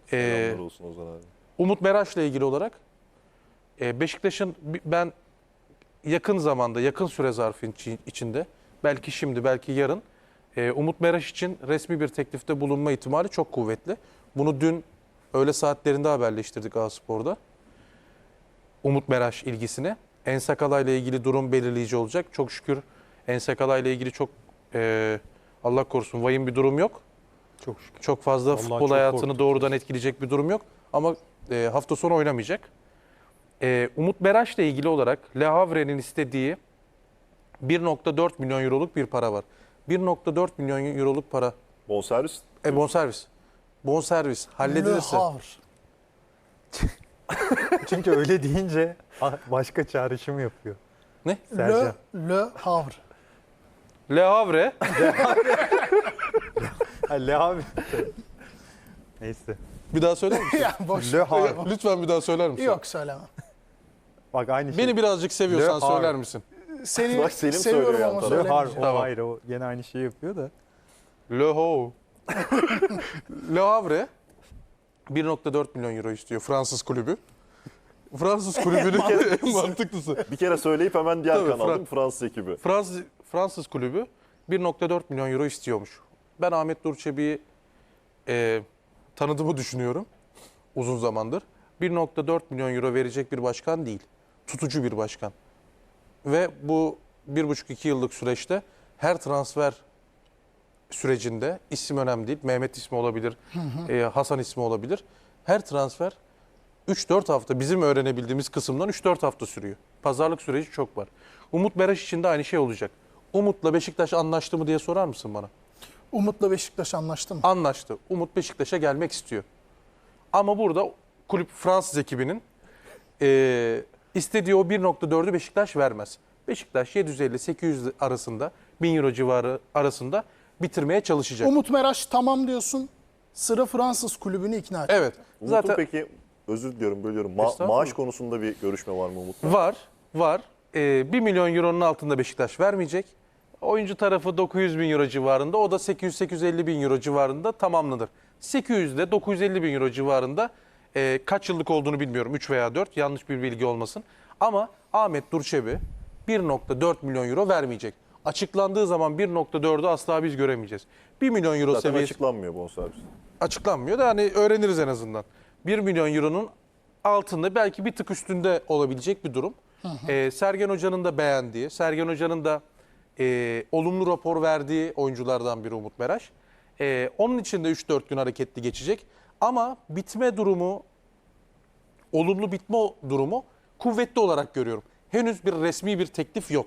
Selamlar olsun Ozan abi. Umut Meraş'la ilgili olarak Beşiktaş'ın ben yakın zamanda, yakın süre zarfı içinde, belki şimdi, belki yarın Umut Meraş için resmi bir teklifte bulunma ihtimali çok kuvvetli. Bunu dün öğle saatlerinde haberleştirdik A-Spor'da. Umut Meraş ilgisini. Ensakala ile ilgili durum belirleyici olacak. Çok şükür Ensakala ile ilgili çok Allah korusun vahim bir durum yok. Çok şükür. Çok fazla Vallahi futbol çok hayatını korktuk doğrudan etkileyecek bir durum yok. Ama hafta sonu oynamayacak. Umut Meraş'la ilgili olarak Le Havre'nin istediği 1.4 milyon euroluk bir para var. 1.4 milyon euroluk para. Bonservis. Bonservis. Bonservis halledilirse. Le Havre. Çünkü öyle deyince başka çağrışım yapıyor. Ne? Sercan. Le Havre. Le Havre. Le abi. Neyse. Bir daha söyler misin? Ya boş. Le Havre. Lütfen bir daha söyler misin? Yok söylemem. Bak aynı şey. Beni birazcık seviyorsan Le Havre. söyler misin? Seni Bak Selim seviyorum söylüyor ama yan Le tarafa. Havre. söylemeyeceğim. O Tamam. ayrı. O gene aynı şeyi yapıyor da. Le Havre. Le Havre 1.4 milyon euro istiyor Fransız kulübü. Fransız kulübünün en mantıklısı. Bir kere söyleyip hemen diğer Tabii, kanal değil mi? Fransız ekibi. Fransız kulübü 1.4 milyon euro istiyormuş. Ben Ahmet Nur Çebi'yi tanıdığımı düşünüyorum uzun zamandır. 1.4 milyon euro verecek bir başkan değil. Tutucu bir başkan. Ve bu 1,5-2 yıllık süreçte her transfer sürecinde isim önemli değil. Mehmet ismi olabilir, Hasan ismi olabilir. Her transfer 3-4 hafta bizim öğrenebildiğimiz kısımdan 3-4 hafta sürüyor. Pazarlık süreci çok var. Umut Meraş için de aynı şey olacak. Umut'la Beşiktaş anlaştı mı diye sorar mısın bana? Umut'la Beşiktaş anlaştı mı? Anlaştı. Umut Beşiktaş'a gelmek istiyor. Ama burada kulüp Fransız ekibinin istediği o 1.4'ü Beşiktaş vermez. Beşiktaş 750-800 arasında, 1000 euro civarı arasında bitirmeye çalışacak. Umut Meraş tamam diyorsun. Sıra Fransız kulübünü ikna et. Evet. Umut'un Zaten peki, özür diliyorum bölüyorum. Estağfurullah. Maaş konusunda bir görüşme var mı Umut'la? var. 1 milyon euronun altında Beşiktaş vermeyecek. Oyuncu tarafı 900 bin euro civarında. O da 800-850 bin euro civarında tamamlanır. 800 ile 950 bin euro civarında kaç yıllık olduğunu bilmiyorum. 3 veya 4 yanlış bir bilgi olmasın. Ama Ahmet Durçebi 1.4 milyon euro vermeyecek. Açıklandığı zaman 1.4'ü asla biz göremeyeceğiz. 1 milyon euro Zaten seviyesi açıklanmıyor bonservis. açıklanmıyor da hani öğreniriz en azından. 1 milyon euronun altında belki bir tık üstünde olabilecek bir durum. Sergen Hoca'nın da beğendiği, Sergen Hoca'nın da olumlu rapor verdiği oyunculardan biri Umut Meraş. Onun için de 3-4 gün hareketli geçecek. Ama bitme durumu, olumlu bitme durumu kuvvetli olarak görüyorum. Henüz bir resmi bir teklif yok.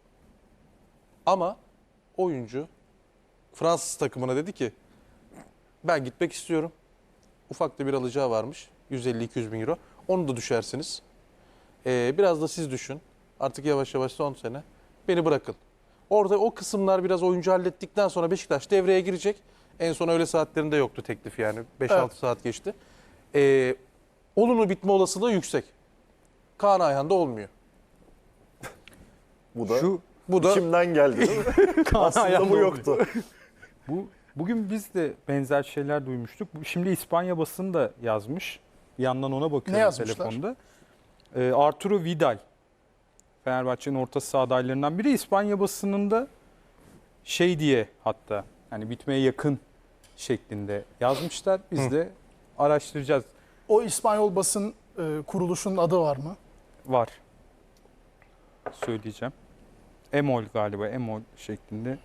Ama oyuncu Fransız takımına dedi ki ben gitmek istiyorum. Ufak da bir alacağı varmış. 150-200 bin euro. Onu da düşersiniz. Biraz da siz düşün. Artık yavaş yavaş son sene. Beni bırakın. Orada o kısımlar biraz oyuncu hallettikten sonra Beşiktaş devreye girecek. En son öğle saatlerinde yoktu teklif yani. 5-6 Evet. saat geçti. Olumlu bitme olasılığı yüksek. Kaan Ayhan'da olmuyor. Bu da Bu da içimden geldi değil mi? Aslında Ayhan'da bu yoktu. Bugün biz de benzer şeyler duymuştuk. Şimdi İspanya basını da yazmış. Bir yandan ona Ne bakıyorum yazmışlar? telefonda. Arturo Vidal, Fenerbahçe'nin orta saha adaylarından biri. İspanya basınında şey diye hatta hani bitmeye yakın şeklinde yazmışlar. Biz de araştıracağız. O İspanyol basın kuruluşunun adı var mı? Var. Söyleyeceğim. Emol galiba. Emol şeklinde.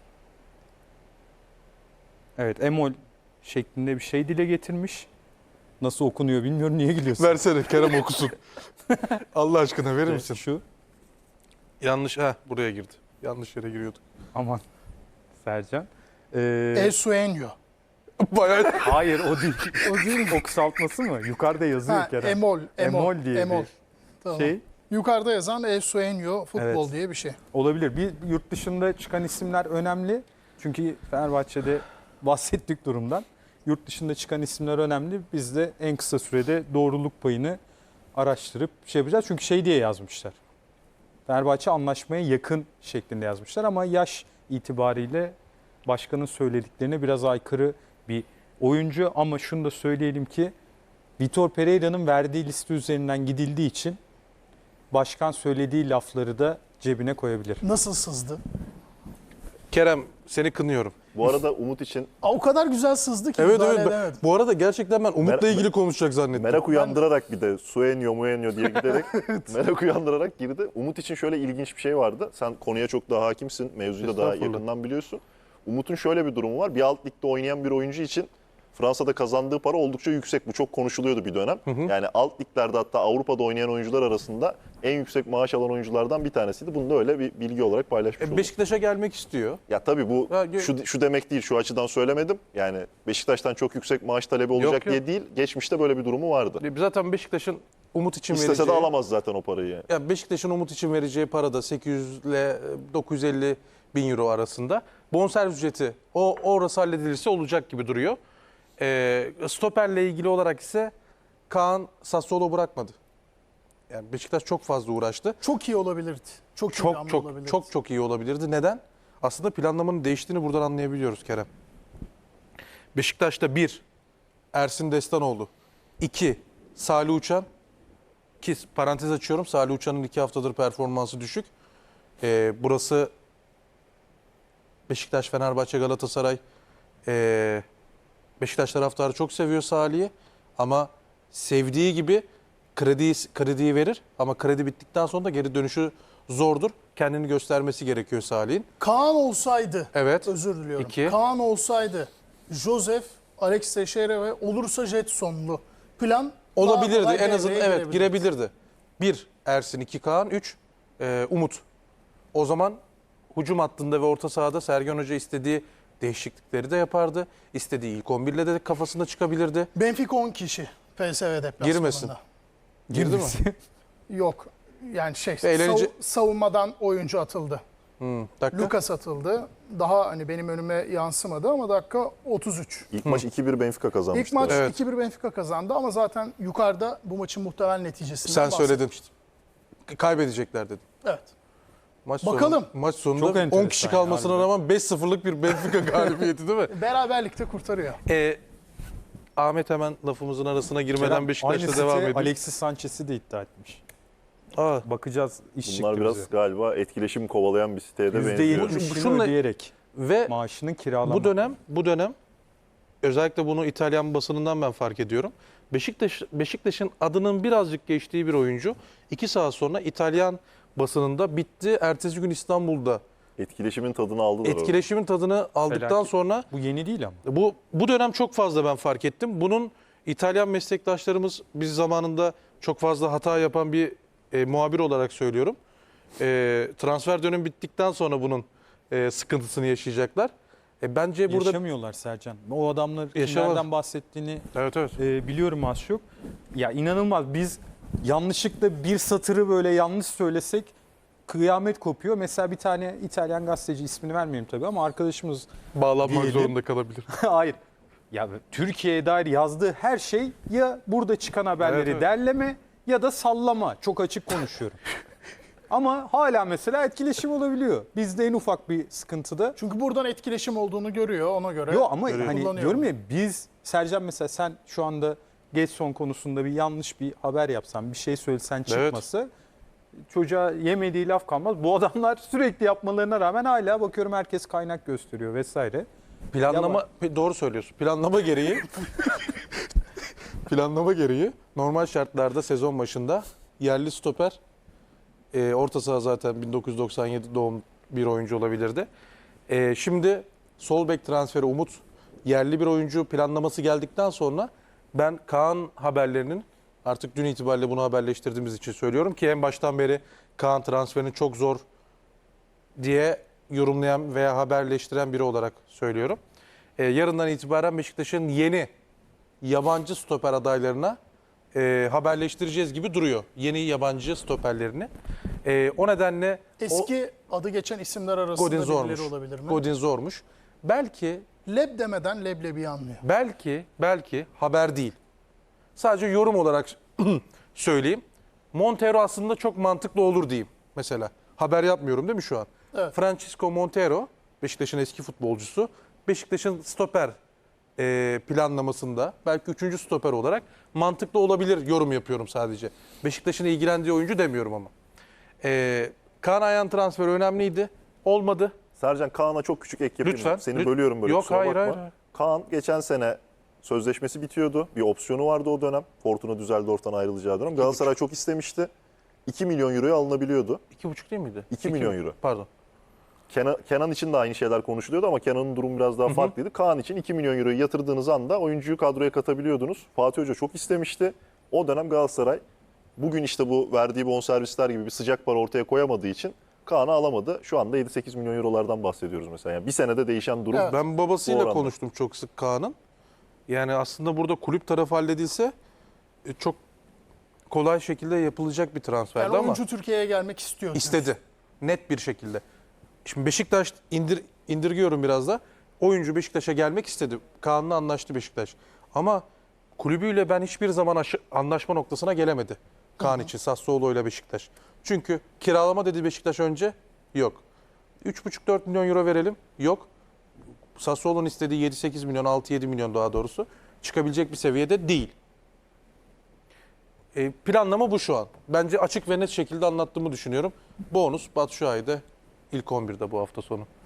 Evet, Emol şeklinde bir şey dile getirmiş. Nasıl okunuyor bilmiyorum. Niye gülüyorsun? versene Kerem okusun. Allah aşkına verir misin? Şu. Yanlış buraya girdi. Yanlış yere giriyorduk. Aman. Sercan. El Sueño. Bayağı Hayır o değil. O değil. O kısaltması mı? Yukarıda yazıyor Ha, Kerem. Emol. Emol diye Emol. bir Tamam. şey Yukarıda yazan El Sueño futbol Evet. diye bir şey. olabilir. Bir yurt dışında çıkan isimler önemli. Çünkü Fenerbahçe'de bahsettik durumdan. Yurt dışında çıkan isimler önemli. Biz de en kısa sürede doğruluk payını araştırıp şey yapacağız. Çünkü şey diye yazmışlar. Fenerbahçe anlaşmaya yakın şeklinde yazmışlar ama yaş itibariyle başkanın söylediklerine biraz aykırı bir oyuncu. Ama şunu da söyleyelim ki Vitor Pereira'nın verdiği liste üzerinden gidildiği için başkan söylediği lafları da cebine koyabilir. Nasıl sızdı? Kerem seni kınıyorum. Bu arada Umut için O kadar güzel sızdı ki Evet müdahale evet. edemedim. Bu arada gerçekten ben Umut'la Mer- ilgili konuşacak zannettim. merak uyandırarak bir de Suenyo Muenyo diye giderek merak uyandırarak girdi. Umut için şöyle ilginç bir şey vardı. Sen konuya çok daha hakimsin. Mevzuyu da daha Estağfurullah. yakından biliyorsun. Umut'un şöyle bir durumu var. Bir alt ligde oynayan bir oyuncu için Fransa'da kazandığı para oldukça yüksek. Bu çok konuşuluyordu bir dönem. Yani alt liglerde hatta Avrupa'da oynayan oyuncular arasında en yüksek maaş alan oyunculardan bir tanesiydi. Bunu da öyle bir bilgi olarak paylaşmış oldum. Beşiktaş'a gelmek istiyor. Ya tabii bu Ha, şu demek değil, şu açıdan söylemedim. Yani Beşiktaş'tan çok yüksek maaş talebi olacak Yok. diye değil. Geçmişte böyle bir durumu vardı. Zaten Beşiktaş'ın Umut için İstese vereceği... de alamaz zaten o parayı yani. Ya Beşiktaş'ın Umut için vereceği para da 800 ile 950 bin euro arasında. Bonservis ücreti orası halledilirse olacak gibi duruyor. Stoperle ilgili olarak ise Kaan Sassuolo bırakmadı. Yani Beşiktaş çok fazla uğraştı. Çok iyi olabilirdi. Çok iyi bir hamle olabilirdi. Çok iyi olabilirdi. Neden? Aslında planlamanın değiştiğini buradan anlayabiliyoruz Kerem. Beşiktaş'ta 1 Ersin Destanoğlu, 2 Salih Uçan, ki parantez açıyorum, Salih Uçan'ın 2 haftadır performansı düşük. Burası Beşiktaş, Fenerbahçe, Galatasaray. Beşiktaş taraftarı çok seviyor Salih'i ama sevdiği gibi krediyi verir ama kredi bittikten sonra da geri dönüşü zordur. Kendini göstermesi gerekiyor Salih'in. Kaan olsaydı, Evet. özür diliyorum. 2. Kaan olsaydı, Josef, Alex Teixeira ve olursa Jetson'lu plan Olabilirdi. daha kolay En azından devreye evet girebilirdi. 1 Ersin, 2 Kaan, 3 Umut. O zaman hücum hattında ve orta sahada Sergen Hoca istediği değişiklikleri de yapardı. İstediği ilk 11'le de kafasında çıkabilirdi. Benfica 10 kişi PSV deplasmanında. Girmesin. Girdi mi? Yok. Yani Eğlence- savunmadan oyuncu atıldı. Dakika. Lucas atıldı. Daha hani benim önüme yansımadı ama dakika 33. İlk maç 2-1 Benfica kazanmıştı. İlk maç Evet. 2-1 Benfica kazandı ama zaten yukarıda bu maçın muhtemel neticesinden Sen söyledin. bahsetmiştim. Kaybedecekler dedin. Evet. Maç Bakalım. Maç Çok sonunda 10 enteresan kişi ya, kalmasına harbiden. rağmen 5-0'lık bir Benfica galibiyeti değil mi? Beraberlikte kurtarıyor. Ahmet hemen lafımızın arasına girmeden Kerem, Beşiktaş'ta aynı devam site ediyor. Alexis Sanchez'i de iddia etmiş. Bakacağız. İş Bunlar çıktı biraz bize. galiba etkileşim kovalayan bir siteye de benziyor. %70'ini Şunla- ödeyerek Ve maaşının kiralama. bu dönem özellikle bunu İtalyan basınından ben fark ediyorum. Beşiktaş'ın adının birazcık geçtiği bir oyuncu 2 saat sonra İtalyan basınında bitti. Ertesi gün İstanbul'da Etkileşimin tadını aldılar. etkileşimin tadını aldıktan Felaket. sonra Bu yeni değil ama. bu dönem çok fazla ben fark ettim. Bunun İtalyan meslektaşlarımız biz zamanında çok fazla hata yapan bir muhabir olarak söylüyorum. Transfer dönemi bittikten sonra bunun sıkıntısını yaşayacaklar. Bence burada Yaşamıyorlar Sercan. O adamlar Yaşamaz. kimlerden bahsettiğini evet. biliyorum az çok. Ya inanılmaz, biz yanlışlıkla bir satırı böyle yanlış söylesek kıyamet kopuyor. Mesela bir tane İtalyan gazeteci, ismini vermeyeyim tabii ama arkadaşımız Bağlanmak diyelim. zorunda kalabilir. hayır. Ya Türkiye'ye dair yazdığı her şey ya burada çıkan haberleri Evet. derleme ya da sallama. Çok açık konuşuyorum. Ama hala mesela etkileşim olabiliyor. Bizde en ufak bir sıkıntıda. Çünkü buradan etkileşim olduğunu görüyor ona göre. Yok ama Görüyorum. hani Kullanıyorum. diyorum ya, biz Sercan mesela sen şu anda Getson konusunda bir yanlış bir haber yapsan, bir şey söylesen çıkması çocuğa yemediği laf kalmaz. Bu adamlar sürekli yapmalarına rağmen hala bakıyorum herkes kaynak gösteriyor vesaire. Planlama doğru söylüyorsun. Planlama gereği normal şartlarda sezon başında yerli stoper orta saha zaten 1997 doğum bir oyuncu olabilirdi. Şimdi sol bek transferi Umut yerli bir oyuncu planlaması geldikten sonra ben Kaan haberlerinin artık dün itibariyle bunu haberleştirdiğimiz için söylüyorum ki en baştan beri Kaan transferini çok zor diye yorumlayan veya haberleştiren biri olarak söylüyorum. Yarından itibaren Beşiktaş'ın yeni yabancı stoper adaylarına haberleştireceğiz gibi duruyor. Yeni yabancı stoperlerini. O nedenle Eski adı geçen isimler arasında Godin birileri zormuş. olabilir mi? Godin zormuş. Leb demeden leblebi anlıyor. Belki haber değil. Sadece yorum olarak söyleyeyim. Montero aslında çok mantıklı olur diyeyim. Mesela haber yapmıyorum değil mi şu an? Evet. Francisco Montero, Beşiktaş'ın eski futbolcusu. Beşiktaş'ın stoper planlamasında belki 3. stoper olarak mantıklı olabilir yorum yapıyorum sadece. Beşiktaş'ın ilgilendiği oyuncu demiyorum ama. Kaan Ayhan transferi önemliydi. Olmadı. Sercan, Kaan'a çok küçük ek yapayım. Lütfen. Seni bölüyorum böyle, Yok, kusura hayır, bakma. hayır. Kaan geçen sene sözleşmesi bitiyordu. Bir opsiyonu vardı o dönem. Fortuna Düsseldorf'tan ayrılacağı dönem. Galatasaray çok istemişti. 2 milyon euroya alınabiliyordu. 2,5 değil miydi? 2 milyon euro. Pardon. Kenan için de aynı şeyler konuşuluyordu ama Kenan'ın durumu biraz daha farklıydı. Kaan için 2 milyon euroyu yatırdığınız anda oyuncuyu kadroya katabiliyordunuz. Fatih Hoca çok istemişti. O dönem Galatasaray bugün işte bu verdiği bonservisler gibi bir sıcak para ortaya koyamadığı için Kaan'ı alamadı. Şu anda 7-8 milyon eurolardan bahsediyoruz mesela. Yani bir senede değişen durum. Evet. Ben Bu babasıyla oranda. konuştum çok sık Kaan'ın. Yani aslında burada kulüp tarafı halledilse çok kolay şekilde yapılacak bir transferdi Yani ama oyuncu Türkiye'ye gelmek istiyor. istedi. Net bir şekilde. Şimdi Beşiktaş indirgiyorum biraz da. Oyuncu Beşiktaş'a gelmek istedi. Kaan'la anlaştı Beşiktaş. Ama kulübüyle ben hiçbir zaman anlaşma noktasına gelemedi. Kaan için Sassuolo ile Beşiktaş. Çünkü kiralama dedi Beşiktaş önce. Yok. 3,5-4 milyon euro verelim. Yok. Sassuolo'nun istediği 7-8 milyon, 6-7 milyon daha doğrusu çıkabilecek bir seviyede değil. Planlama bu şu an. Bence açık ve net şekilde anlattığımı düşünüyorum. Bonus Batshuayi'de ilk 11'de bu hafta sonu.